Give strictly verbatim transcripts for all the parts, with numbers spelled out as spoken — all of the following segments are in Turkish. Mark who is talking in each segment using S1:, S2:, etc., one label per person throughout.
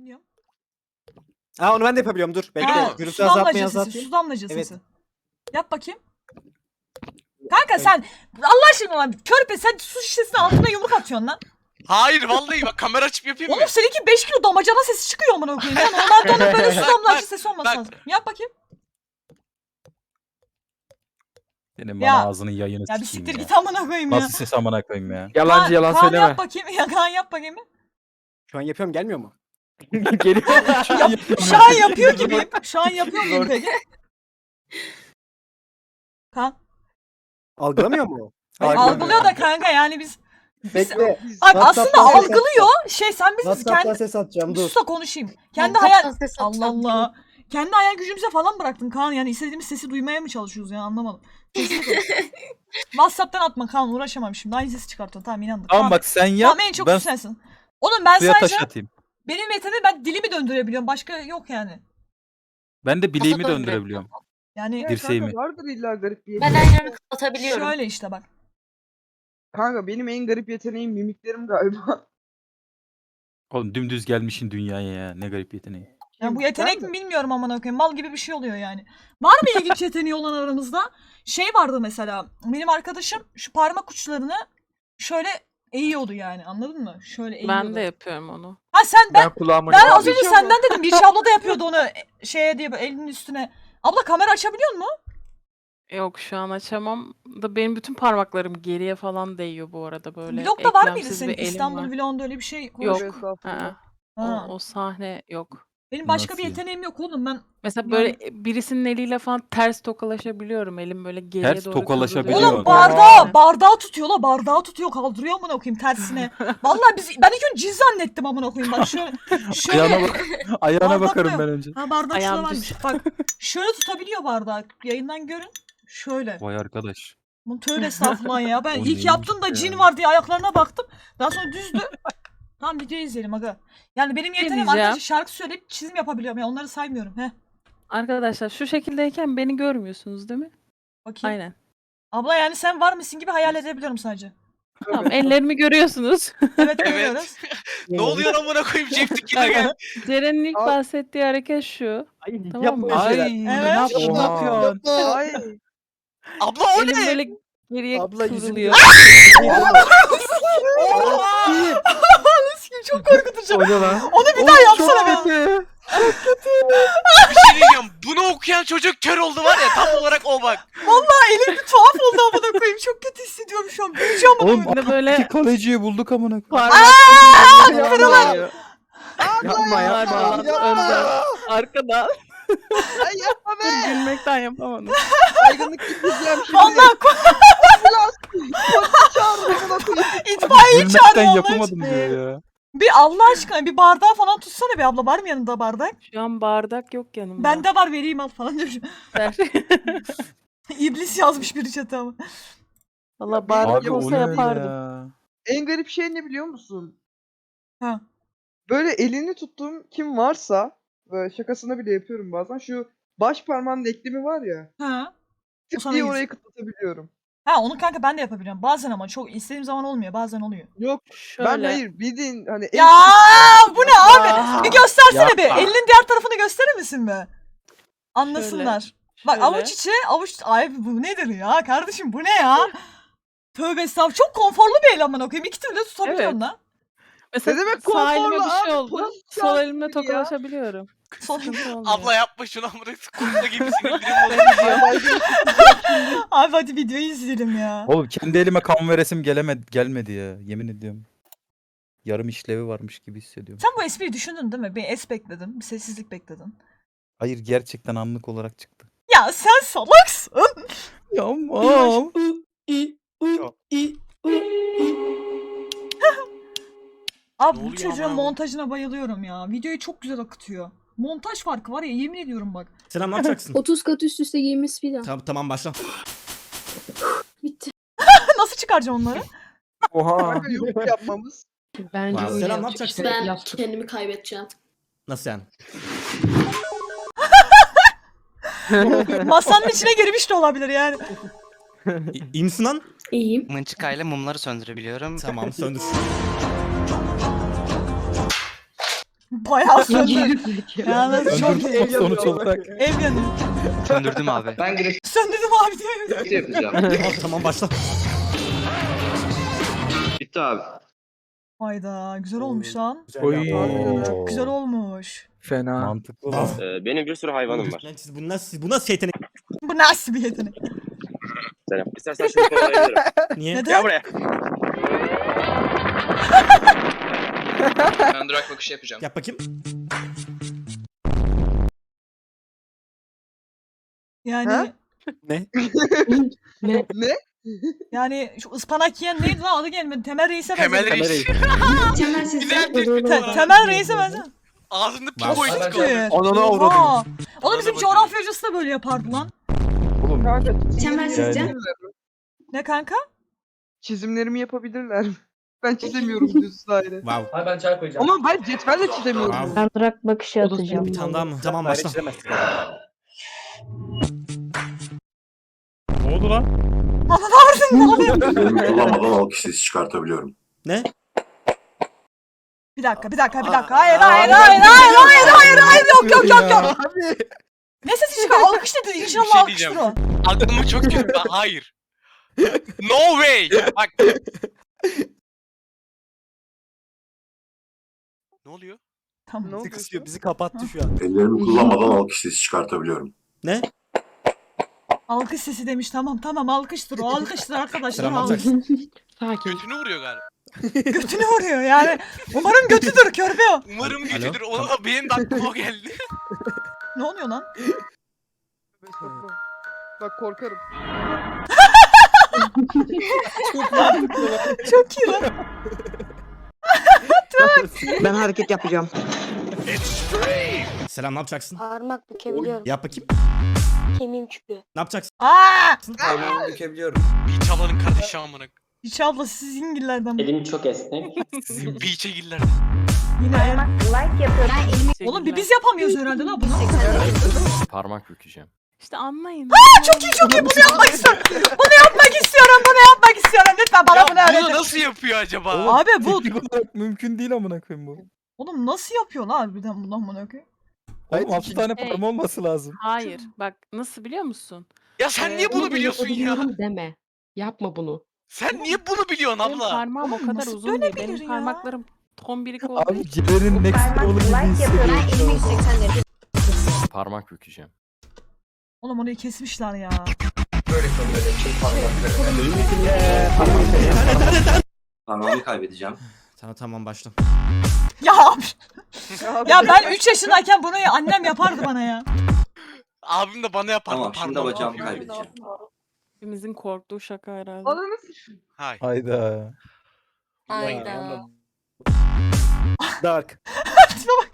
S1: Dinliyorum.
S2: Aa onu ben de yapabiliyorum dur. Bekle.
S1: Ha,
S2: Gürültü
S1: su
S2: azaltmayı
S1: damlacı sesi,
S2: azaltayım.
S1: su damlacı
S2: Evet.
S1: sesi. Yap bakayım. Kanka sen Allah aşkına lan körpe sen su şişesinin altına yumruk atıyorsun lan.
S3: Hayır vallahi bak kamera açıp yapayım mı?
S1: Oğlum seninki beş kilo damacana sesi çıkıyor amına koyayım. Ya normalde onun böyle su
S3: Bak,
S1: damlacı
S3: bak,
S1: sesi olması
S3: bak.
S1: lazım. Yap bakayım.
S4: Senin
S1: Ya-
S4: bana ağzının yayını
S1: Ya bir
S4: sikeyim
S1: siktir
S4: ya.
S1: git amına koyayım ya.
S4: Nasıl ses amına koyayım ya.
S5: Yalancı
S1: Kaan-
S5: yalan
S1: Kaan
S5: söyleme.
S1: yap bakayım. Ya Kaan yap bakayım.
S2: Şu an yapıyorum gelmiyor mu?
S5: Geliyor.
S1: Şu an yapıyor gibiyim. Şu an yapıyor muyum peki? Kaan.
S2: Algılamıyor mu?
S5: Hayır,
S1: Algılıyor da kanka yani biz.
S2: Bekle.
S1: Bak
S2: WhatsApp'tan
S1: aslında
S2: ses
S1: algılıyor. Şey sen biz
S2: WhatsApp'tan
S1: kendi
S2: ses atacağım dur.
S1: sus da konuşayım. Kendi
S6: WhatsApp'tan
S1: hayal
S6: ses
S1: Allah
S6: atacağım
S1: Allah. Kendi hayal gücümüze falan bıraktın Kaan yani istediğimiz sesi duymaya mı çalışıyoruz ya anlamadım. Sesini koy. WhatsApp'tan atma Kaan uğraşamam şimdi aynı sesi çıkartıyorsun tamam inandım.
S4: Tamam bak sen yap.
S1: Tamam en çok
S4: ben
S1: sensin. Oğlum ben
S4: suya
S1: sadece
S4: taş atayım.
S1: benim yeteneğim ben dilimi döndürebiliyorum başka yok yani.
S4: Ben de bileğimi
S6: Nasıl
S4: döndürebiliyorum.
S1: Yani
S7: Ya
S4: Dirseğimi.
S7: kanka vardır illa garip bir
S6: Ben
S7: yeteneğim.
S6: ayranı kapatabiliyorum.
S1: şöyle işte bak.
S7: Kanka benim en garip yeteneğim mimiklerim galiba.
S4: Oğlum dümdüz gelmişin dünyaya ya. Ne garip yeteneği.
S1: Yani bu
S7: Ben
S1: yetenek
S7: de-
S1: mi bilmiyorum amına koyayım. Mal gibi bir şey oluyor yani. Var mı ilginç yeteneği olan aramızda? Şey vardı mesela. Benim arkadaşım şu parmak uçlarını şöyle eğiyordu yani. Anladın mı? Şöyle eğiyordu.
S8: Ben de yapıyorum onu.
S1: Ha sen ben
S5: Ben kulağıma
S1: ben az
S5: yapıyorum.
S1: önce senden dedim. Bir abla da yapıyordu onu e, şeye diye böyle elinin üstüne. Abla kamera açabiliyor mu?
S8: Yok şu an açamam da benim bütün parmaklarım geriye falan değiyor bu arada böyle.
S1: Vlogda var mıydı
S8: eklemsiz
S1: senin
S8: bir elim
S1: İstanbul
S8: var.
S1: vlogunda öyle bir şey? konuş-
S8: Yok.
S7: Tövbe estağfurullah.
S8: Ha,
S1: Ha.
S8: o, o sahne yok.
S1: Benim başka
S4: Nasıl
S1: bir
S4: ya?
S1: yeteneğim yok oğlum ben.
S8: Mesela
S1: Yani-
S8: böyle birisinin eliyle falan ters tokalaşabiliyorum. Elim böyle geriye
S4: Ters
S8: doğru
S4: tokalaşabiliyor.
S8: kıvrılıyor.
S1: Oğlum
S4: Biliyorum.
S1: bardağı,
S8: Yani.
S1: bardağı tutuyor la bardağı tutuyor kaldırıyor amına koyayım tersine. Vallahi biz ben ilk önce cin zannettim amına koyayım bak şöyle. şöyle.
S4: Ayağına bak. Ayağına
S1: Bardak
S4: bakarım
S1: yok.
S4: ben önce.
S1: Ha bardak şurada
S8: Ayağım
S1: varmış. Bak şöyle tutabiliyor bardağı. Yayından görün. Şöyle.
S4: Vay arkadaş.
S1: Bunu tövbe estağfurullah ya. Ben
S4: O
S1: ilk
S4: neymiş
S1: yaptım da
S4: ya?
S1: cin var diye ayaklarına baktım. Daha sonra düzdü. Tamam videoyu izleyelim aga. Yani benim yeteneğim
S8: diyeceğim.
S1: arkadaşlar şarkı söyleyip çizim yapabiliyorum. Ya onları saymıyorum. Heh.
S8: Arkadaşlar şu şekildeyken beni görmüyorsunuz değil mi?
S1: Bakayım.
S8: Aynen.
S1: Abla yani sen var mısın gibi hayal edebiliyorum sadece.
S8: Tamam ellerimi görüyorsunuz.
S1: Evet görüyoruz.
S3: Ne oluyor amına koyayım Ceptikine gel.
S8: Ceren'in ilk
S7: Al.
S8: bahsettiği hareket şu. Tamam mı?
S4: Ay
S1: Evet.
S4: ne yapıyorsun? Ne
S5: Oha.
S4: yapıyorsun?
S7: Ay.
S3: Abla o
S8: Elim
S3: ne?
S8: böyle geriye
S2: Abla yüzünü
S8: kıvrılıyor.
S1: Sikim çok korkutucu.
S5: O ne lan?
S1: Onu bir daha yapsana be.
S3: Bir şey diyeceğim. Bunu okuyan çocuk kör oldu var ya tam olarak o bak.
S1: Vallahi elim bir tuhaf oldu amına koyayım. Çok kötü hissediyorum şu an. Büyüyeceğim amına
S4: Oğlum
S1: koyayım.
S8: Bir de böyle
S4: iki kaleciyi bulduk amına.
S8: parmaklarım kırılıyor.
S5: Yapma yapma.
S8: Arkadan, önden, arkadan.
S7: Ay yapma
S8: Dur
S7: be.
S8: gülmekten yapamadım.
S7: Aygınlık gideceğim şimdi.
S1: Vallahi ko-
S7: Polis çağırdım buna koyayım.
S1: itfaiyeyi
S4: Gülmekten
S1: çağırıyor Allah
S4: yapamadım
S1: aşkına.
S4: diyor ya.
S1: Bir Allah aşkına bir bardağı falan tutsana be abla. Var mı yanında bardak?
S8: Şu an bardak yok yanımda.
S1: Bende var vereyim al falan demiş.
S8: Ver.
S1: İblis yazmış biri chat'e ama.
S8: Valla bardak
S4: Abi o
S8: olsa
S4: ne öyle
S8: yapardım.
S4: ya?
S7: En garip şey ne biliyor musun?
S1: Ha.
S7: Böyle elini tuttuğum kim varsa böyle şakasına bile yapıyorum bazen. Şu baş parmağının eklemi var ya.
S1: Ha. O
S7: Tık
S1: sana
S7: diye
S1: gitsin.
S7: orayı kıtlatabiliyorum.
S1: Ha onu kanka ben de yapabiliyorum. Bazen ama çok istediğim zaman olmuyor. Bazen oluyor.
S7: Yok
S8: Şöyle.
S7: ben hayır bildiğin hani
S1: Ya bu ne abi?
S8: Aa,
S1: Bir göstersene bir.
S4: yapma.
S1: Elinin diğer tarafını gösterir misin be? Anlasınlar. Bak
S8: şöyle.
S1: avuç içi avuç... Ay bu nedir ya kardeşim bu ne ya? Tövbe estağfurullah. Çok konforlu bir el amına koyayım. İki türlü tutabiliyorsun
S8: Evet.
S1: lan.
S8: Mesela
S7: Ne demek
S8: sağ elime
S7: konforlu
S8: bir şey
S7: abi?
S8: oldu.
S7: Polis
S8: Sol
S7: çağırdı
S8: elimle
S7: beni ya.
S8: tokalaşabiliyorum.
S1: Son...
S8: Sıkıntı olmuyor.
S3: Abla yapma şunu amına kurtla gibisin indirim oluyor.
S7: Aygınlık
S1: Abi hadi videoyu izleyelim ya.
S4: Oğlum kendi elime kan veresim gelemedi, gelmedi ya. Yemin ediyorum. Yarım işlevi varmış gibi hissediyorum.
S1: Sen bu espriyi düşündün değil mi? Bir es bekledin. Bir sessizlik bekledin.
S4: Hayır gerçekten anlık olarak çıktı.
S1: Ya sen salaksın.
S4: Yapmam.
S1: Abi
S3: Ne
S1: bu
S3: oluyor
S1: çocuğun
S3: amına
S1: montajına bayılıyorum ya. Videoyu çok güzel akıtıyor. Montaj farkı var ya yemin ediyorum bak.
S9: Selam ne yapacaksın?
S6: otuz kat üst üste giymiş bir daha.
S9: tamam, tamam başla.
S6: Bitti.
S1: Nasıl çıkaracağım onları?
S5: Oha.
S7: Kanka yok yapmamız.
S6: Bence
S9: Wow.
S6: öyle
S9: Selam, ne
S6: yapacak.
S9: yapacaksın?
S6: Ben kendimi kaybedeceğim.
S9: Nasıl yani?
S1: Masanın içine girmiş de olabilir yani.
S9: İ- İyi misin lan?
S6: İyiyim.
S10: Mınçıkayla mumları söndürebiliyorum.
S9: Tamam söndür.
S1: Bayağı söndü. Yalnız çok iyi.
S4: Öldürdüm sonuç olarak.
S1: Ev yanıyor.
S3: Söndürdüm abi.
S7: Ben Grace
S1: Söndürdüm abi diye.
S7: yapacağım.
S9: Tamam, tamam başla.
S7: Bitti abi.
S1: Hayda güzel olmuş lan.
S2: Güzel
S5: Oy.
S2: yaptın.
S1: Çok güzel olmuş.
S5: Fena.
S4: Mantıklı lan.
S10: Ee, benim bir sürü hayvanım var.
S9: Lan siz bu nasıl bu nasıl yetenek?
S1: Bu nasıl bir yetenek?
S10: Selam. İstersen şunu kovalayabilirim.
S9: Niye?
S1: Neden?
S10: Gel buraya.
S3: Ben durak bakışı yapacağım.
S9: Yap bakayım.
S1: Yani
S7: Ha?
S2: Ne?
S6: Ne?
S7: Ne?
S1: yani şu ıspanak yiyen neydi lan adı gelmedi. Temel Reis'e
S3: Temel
S1: benziyor.
S3: Reis.
S6: Temel sesi.
S3: Güzel tespit
S1: Te-
S3: bu.
S1: Temel Reis'e benziyor.
S3: Ağzında
S9: Bak.
S3: piko
S1: Çok
S3: çıkıyor.
S1: iyi.
S2: Ananı
S1: Oha.
S2: avradını.
S1: Oğlum bizim
S3: Bana
S1: coğrafya hocası da böyle yapardı lan.
S5: Oğlum
S7: Kanka
S6: Temel sesi.
S1: Ne kanka?
S7: çizimlerimi yapabilirler mi? Ben çizemiyorum düz daire.
S9: Wow.
S5: Hayır ben çay koyacağım.
S7: Ama ben cetvelle çizemiyorum.
S9: Wow.
S6: Ben durak bakışı atacağım.
S9: Bir tane daha mı? Tamam
S2: Daire
S9: başla.
S2: çizemezsin.
S4: Ne oldu lan?
S1: Aman avradın ne oluyor?
S10: Kullanmadan alkış sesi çıkartabiliyorum.
S9: Ne?
S1: Bir dakika bir dakika bir dakika. Hayır hayır hayır hayır hayır hayır hayır yok yok yok yok.
S2: Abi.
S1: Ne sesi çıkar? Alkış dedi.
S3: Bir
S1: İnşallah
S3: şey
S1: alkıştır
S3: diyeceğim.
S1: o.
S3: Aklımı çok kötü. Hayır. No way. Bak. Ne oluyor?
S1: Tamam.
S7: Ne
S2: Bizi
S7: oldu?
S2: kısıyor. Bizi kapattı şu an.
S10: Ellerimi kullanmadan alkış sesi çıkartabiliyorum.
S9: Ne?
S1: Alkış sesi demiş. Tamam tamam alkıştır o. Alkıştır arkadaşlar.
S9: Selam
S1: Alkış.
S9: alacaksın.
S6: Sakin.
S3: Götünü vuruyor galiba.
S1: Götünü vuruyor yani. Umarım götüdür körpe o.
S3: Umarım
S9: Alo?
S3: götüdür. Ona da benim de aklıma o geldi.
S1: Ne oluyor lan?
S7: Bak korkarım.
S1: Çok iyi lan.
S5: Ben hareket yapacağım.
S9: Selam ne yapacaksın?
S6: Parmak bükebiliyorum.
S9: Yap bakayım.
S6: Kemiğim çıkıyor.
S9: Ne yapacaksın?
S1: Aa!
S5: Parmağımı bükebiliyorum.
S3: Beach ablanın kardeşi amına.
S1: Hiç abla siz İngillerden mi?
S5: Elim çok esnek.
S3: Sizin beach'e girdiler.
S1: Yine eğer...
S6: Like yapıyorum.
S1: Oğlum bir biz yapamıyoruz herhalde la bunu.
S10: Parmak bükeceğim.
S8: İşte anlayın.
S1: Çok iyi çok iyi bunu yapmak istiyorum. Bunu yapmak istiyorum bunu yapmak istiyorum. Lütfen bana
S3: Ya
S1: bunu
S3: bunu
S1: öğretin.
S3: nasıl yapıyor acaba?
S1: Abi bu.
S4: Teknik olarak mümkün değil amına koyayım bu.
S1: Oğlum nasıl yapıyor lan harbiden bundan bunu okey?
S4: Oğlum altı tane
S8: Hey.
S4: parmağı olması lazım.
S8: Hayır. Bak nasıl biliyor musun?
S3: Ya sen niye bunu biliyorsun ya?
S6: Deme. Yapma bunu.
S3: Sen niye bunu biliyorsun
S8: Benim
S3: abla?
S8: parmağım o kadar
S1: Nasıl
S8: uzun değil.
S1: dönebilir
S8: Benim
S1: ya?
S8: parmaklarım tombirik olduğu
S4: Abi
S8: için.
S4: Ceren'in next level'ı gibi hissediyorum.
S10: Parmak bükeceğim.
S1: Oğlum orayı kesmişler ya.
S10: Parmağımı kaybedeceğim.
S9: Tamam tamam başla.
S1: Ya abi. Ya ben üç yaşındayken bunu annem yapardı bana ya.
S3: Abim de bana yapardı.
S10: Tamam şimdi
S3: parmağımı
S10: bacağımı
S3: yapıyor.
S10: kaybedeceğim.
S8: Hepimizin korktuğu şaka herhalde.
S7: Ananı
S3: Hay.
S4: Hayda.
S6: Hayda.
S2: Dark.
S1: Tipe bak.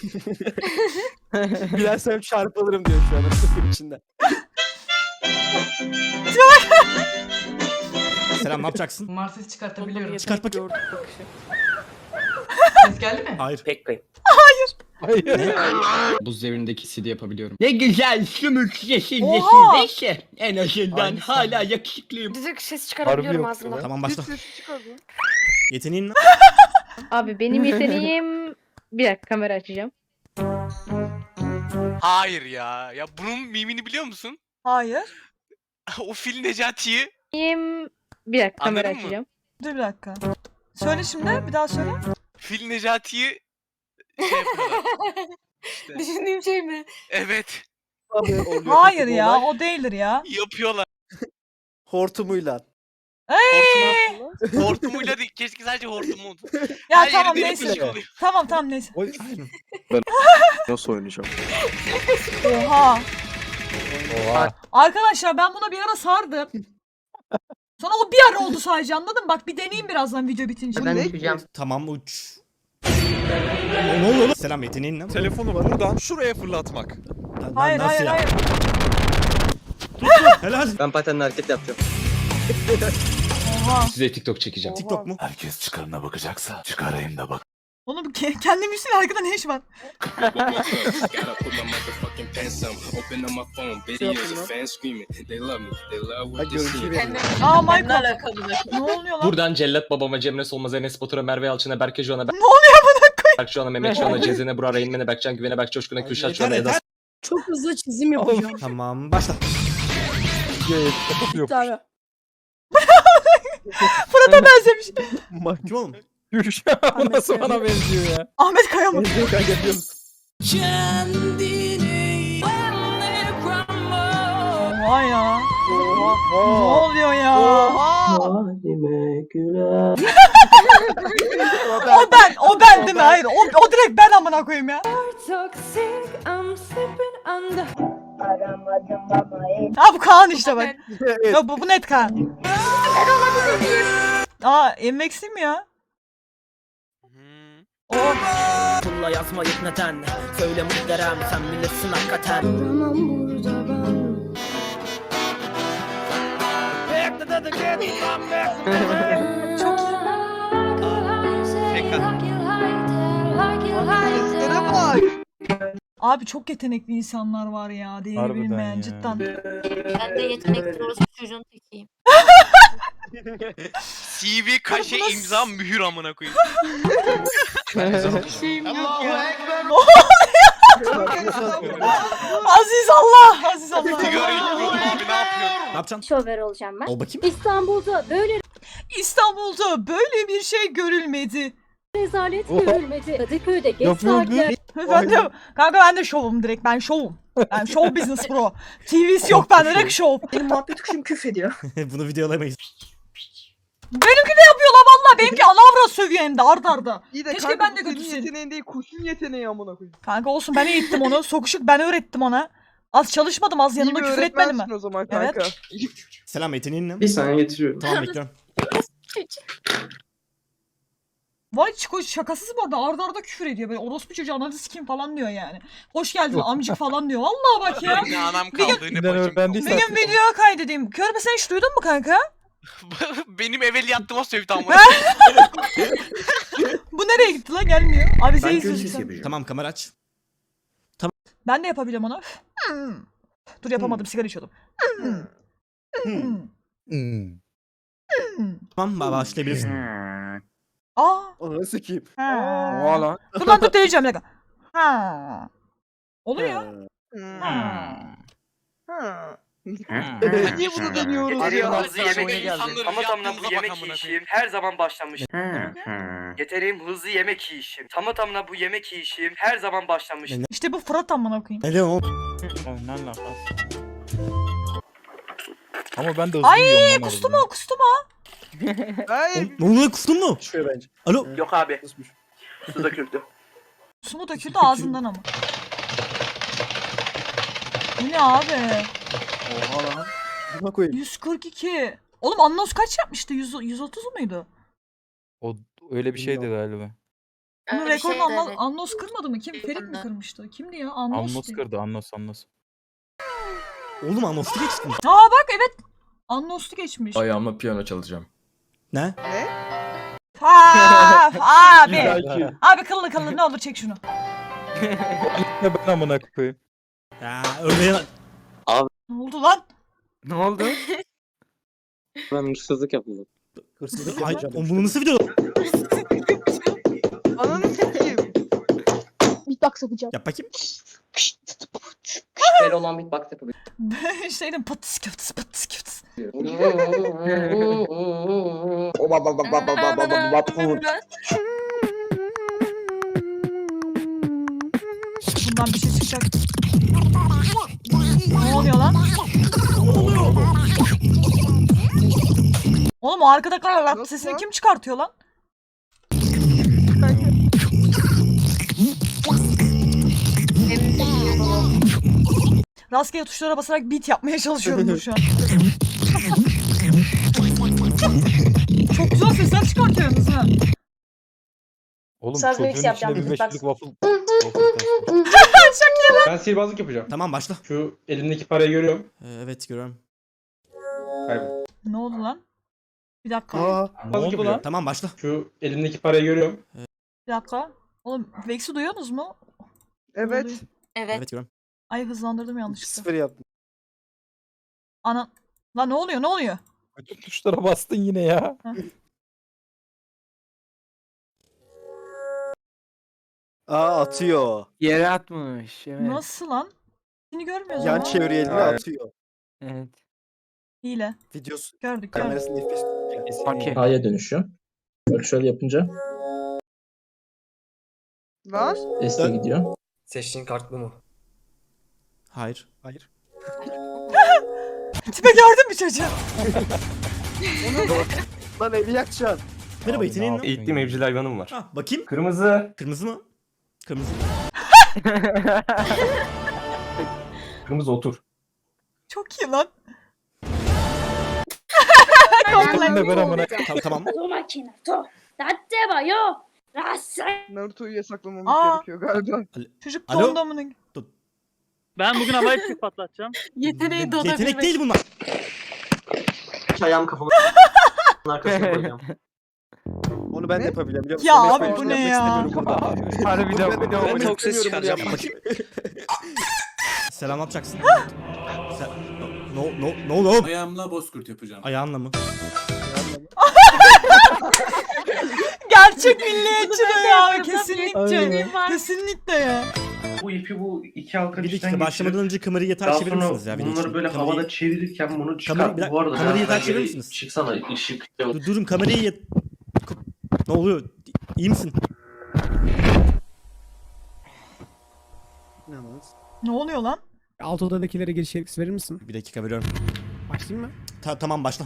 S2: Bilersem çarpılırım diyor şu an. Sıfır içinde.
S9: Selam ne yapacaksın?
S5: Marses çıkartabiliyorum.
S9: Çıkart bakayım.
S8: Gördük bakışı.
S5: Ses geldi mi?
S9: Hayır.
S5: Pek pek.
S4: Hayır.
S5: Buz devrindeki C D yapabiliyorum. Ne güzel sümük yeşil
S1: Oha!
S5: yeşil neyse. En azından
S4: Aynısı.
S5: hala yakışıklıyım.
S6: Düdük ses
S4: Harbi yok ya.
S9: Tamam
S7: Hiç
S9: başla.
S7: sesi çıkardı.
S9: Yeteneğin ne?
S6: Abi benim yeteneğim... Bir dakika kamera açacağım.
S3: Hayır ya. Ya bunun mimini biliyor musun?
S1: Hayır.
S3: O Fil Necati'yi.
S6: Benim... Bir dakika kamera
S3: Anladın mı?
S6: açacağım.
S1: Dur bir dakika. Söyle şimdi bir daha söyle.
S3: Fil Necati'yi şey yapıyorlar. İşte.
S6: Düşündüğüm şey mi?
S3: Evet.
S2: Abi oluyor
S1: Hayır
S2: kötü bir
S1: ya
S2: olay.
S1: o değildir ya.
S3: Yapıyorlar.
S2: Hortumuyla.
S3: Hortumu, hortumuyla değil. Keşke sadece hortumu oldu.
S1: Ya
S3: Her
S1: tamam
S3: yeri
S1: neyse.
S3: delik deşik oluyor.
S1: Tamam tamam neyse.
S4: Oy.
S5: Nasıl oynayacağım?
S1: Oha.
S4: Oha.
S1: Arkadaşlar ben buna bir ara sardım. Sonra o bir ara oldu sadece anladın mı? Bak bir deneyeyim birazdan video bitince.
S7: Bu ne?
S9: Tamam uç. Ne, ne oluyor lan? Selam yeteneğin ne?
S11: Telefonu var. Buradan şuraya fırlatmak.
S9: Lan-
S1: Hayır
S9: nasıl
S1: hayır
S9: ya?
S1: hayır.
S9: Helal.
S5: Ben patenle hareket yapacağım.
S1: Oha.
S5: Size TikTok çekeceğim.
S9: TikTok mu?
S10: Herkes çıkarına bakacaksa çıkarayım da bak.
S1: Oğlum ke- kendi müziğin arkada ne iş var?
S2: Ha görüntü veriyor.
S1: Aa Michael. Ne oluyor lan?
S5: Buradan Cellat babama, Cemre Solmaz, Enes Batur'a, Merve Yalçın'a, Berke Joğan'a,
S1: Ne oluyor buna koy?
S5: Berkçuan'a, Mehmetçuan'a, Cezene, Burak'a, Reynmen'e, Berkcan, Güven'e, Berk Coşkun'a, Kürşat Çuan'a, Eda
S9: Çok hızlı çizim yapacağım.
S11: Tamam başla.
S4: Yok.
S1: Fırat'a benzemiş.
S11: Kim oğlum?
S4: Gülşah bu nasıl bana benziyor ya?
S1: Ahmet Kaya mı?
S2: Benziyor kanka biliyor musun?
S1: Oha ya. Ne
S2: Oha.
S1: oluyor ya?
S2: Oha. o
S1: O ben, o ben değil mi? Hayır, o, o direkt ben amına koyayım ya. Ha bu Kaan işte bak.
S2: Evet.
S1: Ya bu, bu net Kaan. Aa, M X değil mi ya?
S3: Hmm.
S1: O.
S9: Pulla yazmayıp neden? Söyle muhterem sen bilirsin hakikaten.
S1: Çok iyi.
S7: Seslere bak.
S1: Abi çok yetenekli insanlar var ya. Değeri
S4: Harbiden
S1: bilinmeyen
S4: ya.
S1: cidden.
S6: Ben de yetenekli orası çocuğun tekiyim.
S3: C V, kaşe,
S1: Nasıl-
S3: imza, mühür amına koyayım.
S1: Aziz Allah! Aziz Allah!
S3: Sigara içiyordum abi, ne yapıyorsun?
S11: Ne yapacaksın?
S6: Şover olacağım ben.
S11: Ol bakayım.
S6: İstanbul'da böyle
S1: İstanbul'da böyle bir şey görülmedi.
S6: rezalet
S4: Oha.
S6: görülmedi. Kadıköy'de geç
S4: Yapıyor
S6: saatler.
S1: Ben de, kanka ben de şovum direkt. Ben şovum. Ben show business bro. T V'si yok bende direkt şov.
S9: Benim muhabbet kuşum küf ediyor.
S11: Bunu videolayamayız.
S1: Benimki de yapıyorlar valla. Benimki alavra sövüyor hem de ard arda.
S7: İyi de
S1: Keşke
S7: kanka
S1: ben de
S7: bu senin
S1: götürseydim.
S7: yeteneğin değil kuşun yeteneği amına koyayım.
S1: Kanka olsun ben eğittim onu. Sokuşuk ben öğrettim ona. Az çalışmadım az yanımda
S7: İyi bir
S1: küfür etmedim mi?
S7: öğretmensin o zaman
S1: Evet.
S7: kanka.
S11: Selam yeteneğin ne?
S5: Bir saniye getiriyorum.
S11: Tamam bekliyorum.
S1: Vay Çiko şakasız bu arada arda arda küfür ediyor. Böyle orospu çocuğu ananı sikeyim falan diyor yani. Hoş geldin amcık falan diyor. Vallahi bak ya.
S3: Ne anam
S1: Bir gün-
S3: kaldı ne
S4: Neden
S3: bacım
S4: öğrendiysen-
S1: Bir gün video kaydedeyim. Körbe sen hiç duydun mu kanka?
S3: kaldı. Benim evveliyattıma sövdü amına.
S1: Bu nereye gitti lan gelmiyor. Abi sen izliyorsun.
S11: Tamam kamera aç.
S1: Ben de yapabilirim onu. Hmm. Dur yapamadım sigara içiyordum. Hmm. Hmm.
S4: Hmm.
S1: Hmm.
S11: Tamam ba- başlayabilirsin.
S1: Aa.
S2: Onu sikeyim.
S1: Ha.
S2: Oha lan.
S1: Dur lan dur deneyeceğim bir dakika. Ha. Oluyor.
S7: Hmm.
S1: Ha.
S7: Ha. Niye bunu deniyoruz
S3: Getireyim
S7: ya?
S3: hızlı yemek yiyişim. Ama tamına bu yemek yiyişim her zaman başlamış. Getireyim hızlı yemek yiyişim. Tamı tamına bu yemek yiyişim her zaman başlamış.
S1: İşte bu Fırat amına koyayım.
S11: Ne diyorsun oğlum?
S4: Ne alakası? Ama ben de hızlı
S1: Ay
S4: yiyorum lan
S1: kustu
S4: harbiden.
S1: mu kustu mu?
S7: Hayır.
S11: Ne oluyor kustun mu?
S2: Düşüyor bence.
S11: Alo.
S3: Yok abi.
S2: Kusmuş.
S3: Su döküldü.
S1: Su mu döküldü ağzından ama. Bu ne abi?
S2: Oha lan. Buna koyayım.
S1: yüz kırk iki. Oğlum Annos kaç yapmıştı? yüz, yüz otuz muydu?
S4: O öyle bir şeydi galiba.
S1: Bunun
S6: Öyle bir
S1: rekorunu
S6: şeydi,
S1: Annos,
S6: evet.
S1: Annos kırmadı mı? Kim? Ferit mi kırmıştı? Kimdi ya? Annos.
S4: Annos kırdı Annos Annos.
S11: Oğlum anonslu geçtin.
S1: Aa bak evet. Annos'tu geçmiş.
S10: Ayağımla piyano çalacağım.
S11: Ne?
S7: Ne?
S1: Ha, abi.
S4: Ya
S1: Abi kıllı kıllı ne olur çek şunu.
S4: ben amına koyayım.
S11: Ya örneğin.
S1: Ne oldu lan?
S5: Ne oldu? Ben hırsızlık yapıldı.
S2: Hırsızlık
S11: Ay,
S2: yapacağım.
S11: oğlum bunu nasıl video?
S7: Ananı sikeyim.
S6: Beatbox yapacağım.
S11: Yap bakayım.
S5: Böyle olan beatbox yapabilirim.
S1: Şeyden patıs köftes patıs köftes. Bundan bir şey çıkacak. Ne oluyor lan? Oğlum o arkada karalat
S7: Nasıl
S1: sesini
S7: lan?
S1: kim çıkartıyor lan? Rastgele tuşlara basarak beat yapmaya çalışıyorum şu an. Çok güzel sesler çıkartıyorsunuz ha.
S4: Oğlum
S6: Saz
S4: çocuğun
S6: mix
S4: içine
S6: yapacağım,
S4: bir
S6: beatbox.
S4: beşlik waffle. waffle taşı.
S5: Ben sihirbazlık yapacağım.
S11: Tamam başla.
S5: Şu elimdeki parayı görüyorum.
S11: Ee, evet görüyorum.
S5: Kaybol.
S1: Ne oldu lan? Bir dakika.
S2: Aa.
S4: Ne oldu lan?
S11: Tamam başla.
S5: Şu elimdeki parayı görüyorum.
S1: Bir dakika. Oğlum Vex'i duyuyorsunuz mu?
S7: Evet.
S1: Oluyor.
S6: Evet.
S11: Evet görüyorum.
S1: Ay hızlandırdım yanlışlıkla.
S2: Sıfır yaptım.
S1: Ana. Lan ne oluyor ne oluyor?
S4: Bütün tuşlara bastın yine ya.
S2: Aa atıyor.
S5: Yere atmış. Evet.
S1: Nasıl lan? Seni görmüyoruz
S2: Yan
S1: ama.
S2: çeviriyor elini
S4: Evet.
S2: atıyor.
S5: Evet.
S1: Hile.
S2: Videosu
S1: Gördük gördük.
S2: kamerasını F P S tutuyor.
S5: Okey.
S9: A'ya dönüşüyor. Bak şöyle yapınca
S7: Lan.
S9: S'e gidiyor.
S10: Seçtiğin kart bu mu?
S11: Hayır.
S2: Hayır.
S1: Tipe gördün mü çocuğu?
S2: Lan evi yakacaksın.
S11: Merhaba
S4: Abi,
S11: yeteneğin
S4: ne
S11: ne?
S4: yapıyorsun
S10: Eğittiğim
S4: ya?
S10: evcil hayvanım var.
S11: Ha, bakayım.
S10: Kırmızı.
S11: Kırmızı mı? Kırmızı.
S10: Kırmızı otur.
S1: Çok iyi lan.
S4: Ben de ben amına.
S11: Tamam tamam.
S7: Naruto'yu yasaklamamız
S1: Aa.
S7: gerekiyor galiba.
S1: Çocuk
S11: Alo?
S1: dondu amına.
S12: Ben bugün havai fişek patlatacağım.
S1: Yeteneği
S11: Ye-
S1: donabilmek.
S11: Yetenek değil bunlar.
S10: Ayağım kafamı arkasına koyacağım.
S2: Onu ben de
S7: Ne?
S2: yapabiliyorum biliyor musun?
S1: Ya
S2: Ama
S1: abi
S2: yapmayı
S1: bu ne
S2: istemiyorum
S1: ya?
S2: burada.
S5: Harbiden
S2: Bunu ben de
S5: bu ne
S2: yapmak
S5: oğlum?
S10: Çok ses
S2: istemiyorum bunu
S10: çıkaracağım.
S2: yapmak.
S11: Selam ne yapacaksın? Sen... No, no, no, no.
S10: Ayağımla bozkurt yapacağım.
S11: Ayağınla mı?
S1: Gerçek milliyetçi de ya kesinlikle.
S2: Aynen.
S1: Kesinlikle ya.
S12: Bu ipi bu iki halka
S11: Bir dakika başlamadan önce kamerayı yatağa çevirir misiniz ya? video için? Kamerayı-
S12: çevirirken bunu
S11: Kamera- bir dakika, kamerayı yatağa çevirir misiniz?
S12: Çıksana ışık.
S11: Dur, durun kamerayı yat... Ne oluyor? İyi misin?
S1: Ne oluyor lan?
S12: Alt odadakilere giriş yetkisi verir misin?
S11: Bir dakika veriyorum.
S12: Başlayayım mı?
S11: Ta- tamam başla.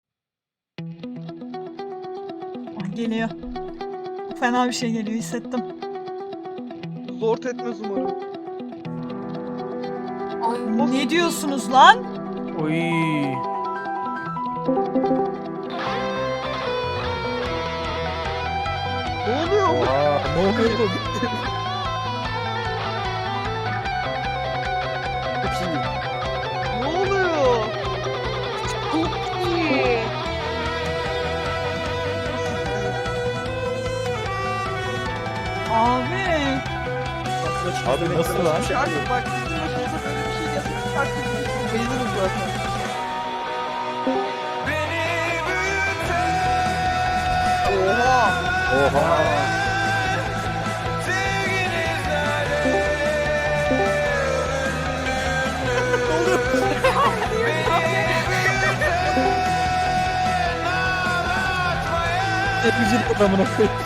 S1: Ah, geliyor. Fena bir şey geliyor hissettim.
S7: Zor etmez umarım.
S1: Ne diyorsunuz lan?
S5: Oy.
S7: Ne oluyor?
S4: Oha, ne oluyor oğlum?
S2: Çok iyi.
S7: Ne oluyor?
S1: Abi.
S4: Abi nasıl lan?
S7: Artık bak bizim başımıza böyle bir şey gelse artık biz bayılırız zaten. Oha!
S4: Oha. Evcil adamına koyayım.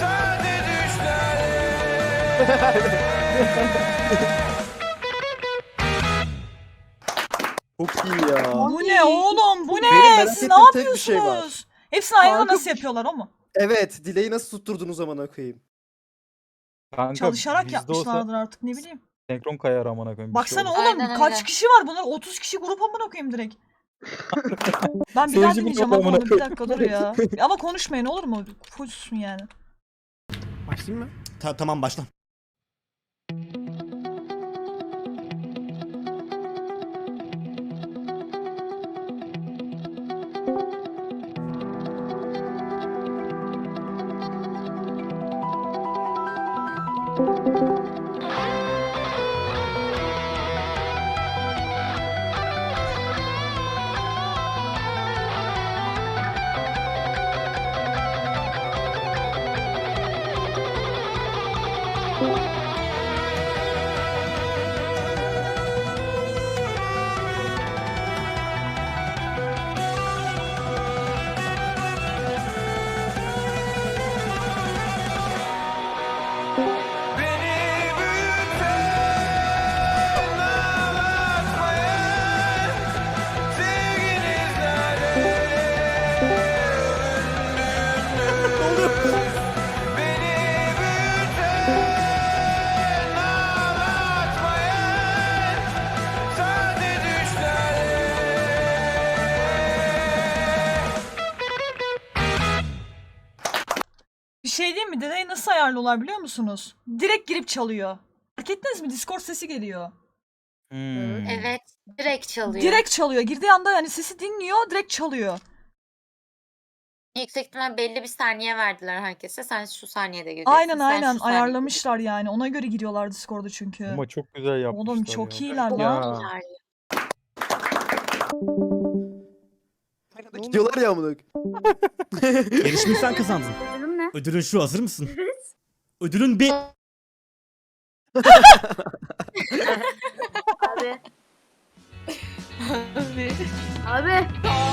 S2: Çok iyi ya.
S1: Bu ne oğlum? Bu
S2: Benim
S1: ne?
S2: merak
S1: Siz ne
S2: ettiğim tek bir şey var.
S1: yapıyorsunuz? Hepsini aynı anda
S7: Kanka,
S1: nasıl yapıyorlar o mu?
S2: Evet, dileği nasıl tutturdunuz amına koyayım?
S4: Kanka,
S1: Çalışarak
S4: bizde olsa
S1: yapmışlardır artık ne bileyim.
S4: senkron kayar amına koyayım. bir şey
S1: Baksana
S4: olur.
S1: oğlum
S6: Aynen
S1: kaç
S6: öyle.
S1: kişi var bunlar? otuz kişi grup amına koyayım direkt. Ben bir daha
S4: Seyirci
S1: dinleyeceğim
S4: grubu
S1: ama
S4: amına
S1: onu bir dakika dur ya. Ama konuşmayın olur mu? Fullsun yani.
S12: Başlayayım mı?
S11: Ta- tamam başla.
S1: Bir şey diyeyim mi? Dedeyi nasıl ayarlıyorlar biliyor musunuz? Direkt girip çalıyor. Fark ettiniz mi? Discord sesi geliyor.
S4: Hmm.
S6: Evet, direkt çalıyor.
S1: Direkt çalıyor. Girdiği anda yani sesi dinliyor, direkt çalıyor.
S6: Yüksek ihtimal belli bir saniye verdiler herkese. Sen şu saniyede giriyorsun.
S1: Aynen
S6: sen
S1: aynen
S6: şu saniyede
S1: ayarlamışlar yani. Ona göre giriyorlar Discord'a çünkü.
S4: Ama çok güzel yapmışlar
S1: Oğlum çok
S4: ya.
S1: iyiler
S6: giriyorsun.
S1: lan.
S6: Çok iyiler ya.
S2: Gidiyorlar ya amına koyayım.
S11: Yarışmayı sen kazandın.
S6: Durum ne?
S11: Ödülün şu hazır mısın? Ödülün bir...
S6: Abi. Abi.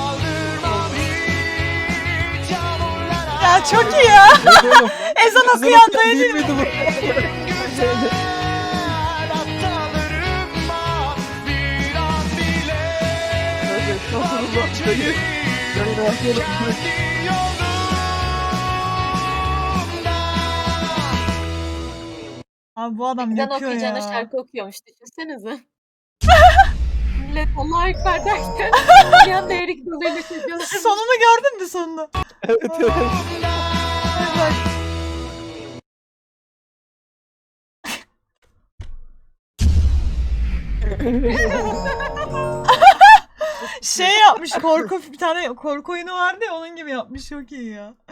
S1: Ya çok iyi ya. Ezan okuyan da
S4: Değil miydi bu?
S1: Abi bu adam yapıyor ya.
S6: şarkı okuyormuş düşünsenize. Millet Allah'a ekber derken bir anda erik dalıyla çekiyorlar.
S1: Sonunu gördün mü sonunu?
S4: Evet evet.
S1: Bak. Şey yapmış korku bir tane korku oyunu vardı ya onun gibi yapmış çok iyi ya.